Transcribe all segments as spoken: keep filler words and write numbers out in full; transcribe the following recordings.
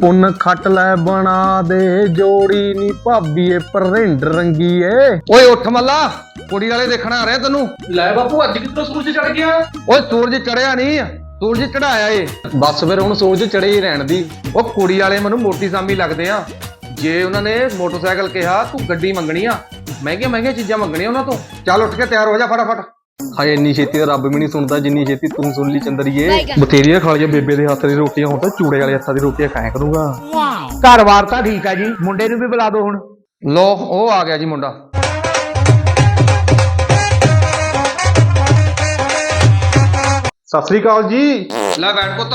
ਪੁੰਨ ਖੱਟ ਲੈ ਬਣਾ ਦੇ ਜੋੜੀ ਨੀ ਭਾਬੀਏ ਪਰਿੰਡ ਰੰਗੀਏ। ਓਏ ਉੱਠ ਮੱਲਾ, ਕੁੜੀ ਵਾਲੇ ਦੇਖਣ ਆ ਰਹੇ ਤੈਨੂੰ। ਲੈ ਬਾਪੂ ਅੱਜ ਕਿੱਥੋਂ ਸੂਰਜ ਚੜ ਗਿਆ? ਓਏ ਸੂਰਜ ਚੜਿਆ ਨਹੀਂ, ਸੂਰਜ ਚੜਾਇਆ ਏ। ਬਸ ਫਿਰ ਹੁਣ ਸੂਰਜ ਚੜੇ ਹੀ ਰਹਿਣ ਦੀ। ਉਹ ਕੁੜੀ ਵਾਲੇ ਮੈਨੂੰ ਮੋਟੀ ਸਾਮੀ ਲੱਗਦੇ ਆ। ਜੇ ਉਹਨਾਂ ਨੇ ਮੋਟਰਸਾਈਕਲ ਕਿਹਾ ਤੂੰ ਗੱਡੀ ਮੰਗਣੀ ਆ, ਮਹਿੰਗੀਆਂ ਮਹਿੰਗੀਆਂ ਚੀਜ਼ਾਂ ਮੰਗਣੀਆਂ ਉਹਨਾਂ ਤੋਂ। ਚੱਲ ਉੱਠ ਕੇ ਤਿਆਰ ਹੋ ਜਾ ਫਟਾਫਟ। ਹਾਏ ਇੰਨੀ ਛੇਤੀ ਤਾਂ ਰੱਬ ਵੀ ਨਹੀਂ ਸੁਣਦਾ ਜਿੰਨੀ ਛੇਤੀ ਤੂੰ ਸੁਣ ਲਈ ਚੰਦਰੀਏ। ਬਥੇਰੀਆਂ ਖਾ ਲਈਆਂ ਬੇਬੇ ਦੇ ਹੱਥ ਦੀ ਰੋਟੀਆਂ, ਹੁਣ ਤਾਂ ਚੂੜੇ ਵਾਲੇ ਹੱਥਾਂ ਦੀ ਰੋਟੀਆਂ ਖਾਇਆ ਕਰੂੰਗਾ। ਘਰ-ਬਾਰ ਤਾਂ ਠੀਕ ਆ ਜੀ, ਮੁੰਡੇ ਨੂੰ ਵੀ ਬੁਲਾ ਦਿਓ ਹੁਣ। ਲੋ ਉਹ ਆ ਗਿਆ ਜੀ ਮੁੰਡਾ। ਸਤਿ ਸ੍ਰੀ ਅਕਾਲ ਜੀ। ਲੈ ਬੈਠ ਪੁੱਤ।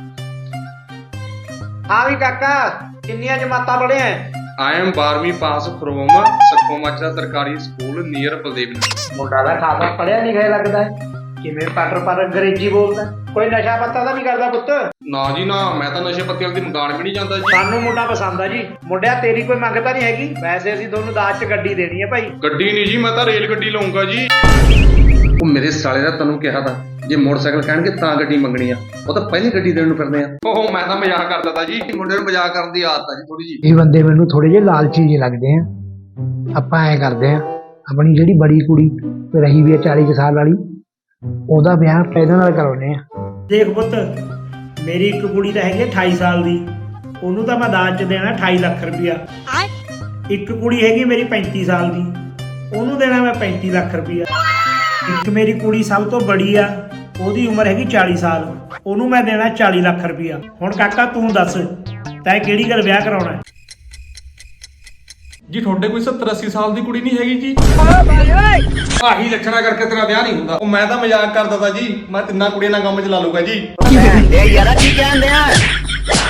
ਹਾਂ ਵੀ ਕਾਕਾ, ਕਿੰਨੀਆਂ ਜਮਾਤਾਂ ਪੜ੍ਹਿਆ? I am ਬਾਰਵੀਂ ਪਾਸ ਫਰੋਮ ਸਕੋਮਾਚਾ ਸਰਕਾਰੀ ਸਕੂਲ ਨੀਅਰ ਬਲਦੇਵ ਨਗਰ। ਮੁੰਡਾ ਦਾ ਖਾਸਾ ਪੜ੍ਹਿਆ ਲਿਖਿਆ ਲੱਗਦਾ ਹੈ। ਕਿਵੇਂ ਪਟਰ ਪਰ ਅੰਗਰੇਜ਼ੀ ਬੋਲਦਾ? ਕੋਈ ਨਸ਼ਾ ਪੱਤਾ ਤਾਂ ਨਹੀਂ ਕਰਦਾ ਪੁੱਤ? ਨਾ ਜੀ ਨਾ, ਮੈਂ ਤਾਂ ਨਸ਼ੇ ਪੱਤੇ ਵਾਲੀ ਦੀ ਮਕਾਨ ਵੀ ਨਹੀਂ ਜਾਂਦਾ ਜੀ। ਸਾਨੂੰ ਮੁੰਡਾ ਪਸੰਦ ਆ ਜੀ। ਮੁੰਡਿਆ ਤੇਰੀ ਕੋਈ ਮੰਗ ਤਾਂ ਨਹੀਂ ਹੈਗੀ? ਵੈਸੇ ਅਸੀਂ ਦੋਨੋਂ ਦਾਜ 'ਚ ਗੱਡੀ ਦੇਣੀ ਹੈ ਭਾਈ। ਗੱਡੀ ਨਹੀਂ ਜੀ, ਮੈਂ ਤਾਂ ਰੇਲ ਗੱਡੀ ਲਵਾਂਗਾ ਜੀ। ਉਹ ਮੇਰੇ ਸਾਲੇ ਦਾ ਤੈਨੂੰ ਕਿਹਾ ਤਾਂ ਜੇ ਮੋਟਰਸਾਈਕਲ ਕਹਿਣਗੇ ਤਾਂ ਗੱਡੀ ਮੰਗਣੀ ਆ, ਉਹ ਤਾਂ ਪਹਿਲੀ ਗੱਡੀ ਦੇਣ ਨੂੰ ਫਿਰਦੇ ਆ। ਓਹ ਮੈਂ ਤਾਂ ਮਜ਼ਾਕ ਕਰਦਾ ਤਾ ਜੀ। ਮੁੰਡੇ ਨੂੰ ਮਜ਼ਾਕ ਕਰਨ ਦੀ ਆਦਤ ਆ ਜੀ ਥੋੜੀ ਜੀ। ਇਹ ਬੰਦੇ ਮੈਨੂੰ ਥੋੜੇ ਜਿਹੇ ਲਾਲਚੀ ਜਿਹੇ ਲੱਗਦੇ ਆ। ਆਪਾਂ ਐ ਕਰਦੇ ਆ, ਆਪਣੀ ਜਿਹੜੀ ਬੜੀ ਕੁੜੀ ਰਹੀ ਵੀ ਆ ਚਾਲੀ ਕੁ ਸਾਲ ਵਾਲੀ, ਉਹਦਾ ਵਿਆਹ ਪਹਿਲਾਂ ਨਾਲ ਕਰਾਉਨੇ ਆ। ਦੇਖ ਪੁੱਤ, ਮੇਰੀ ਇੱਕ ਕੁੜੀ ਤਾਂ ਹੈਗੀ ਅਠਾਈ ਸਾਲ ਦੀ, ਉਹਨੂੰ ਤਾਂ ਮੈਂ ਦਾਜ 'ਚ ਦੇਣਾ ਅਠਾਈ ਲੱਖ ਰੁਪਇਆ। ਇੱਕ ਕੁੜੀ ਹੈਗੀ ਮੇਰੀ ਪੈਂਤੀ ਸਾਲ ਦੀ, ਉਹਨੂੰ ਦੇਣਾ ਮੈਂ ਪੈਂਤੀ ਲੱਖ ਰੁਪਇਆ। ਇੱਕ ਮੇਰੀ ਕੁੜੀ ਸਭ ਤੋਂ ਬੜੀ ਆ, ਉਹਦੀ ਉਮਰ ਹੈਗੀ ਚਾਲੀ ਸਾਲ, ਉਹਨੂੰ ਮੈਂ ਦੇਣਾ ਚਾਲੀ ਲੱਖ ਰੁਪਇਆ। ਹੁਣ ਕਾਕਾ ਤੂੰ ਦੱਸ, ਤੈਂ ਕਿਹੜੀ ਗੱਲ ਵਿਆਹ ਕਰਾਉਣਾ? ਜੀ ਤੁਹਾਡੇ ਕੋਈ ਸੱਤਰ ਅੱਸੀ ਸਾਲ ਦੀ ਕੁੜੀ ਨਹੀਂ ਹੈਗੀ ਜੀ? ਆਹੀ ਲੱਛਣਾ ਕਰਕੇ ਤੇਰਾ ਵਿਆਹ ਨਹੀਂ ਹੁੰਦਾ। ਉਹ ਮੈਂ ਤਾਂ ਮਜ਼ਾਕ ਕਰਦਾ ਤਾ ਜੀ, ਮੈਂ ਤਿੰਨਾਂ ਕੁੜੀਆਂ ਨਾਲ ਕੰਮ ਚ ਲਾ ਲੂਗਾ ਜੀ।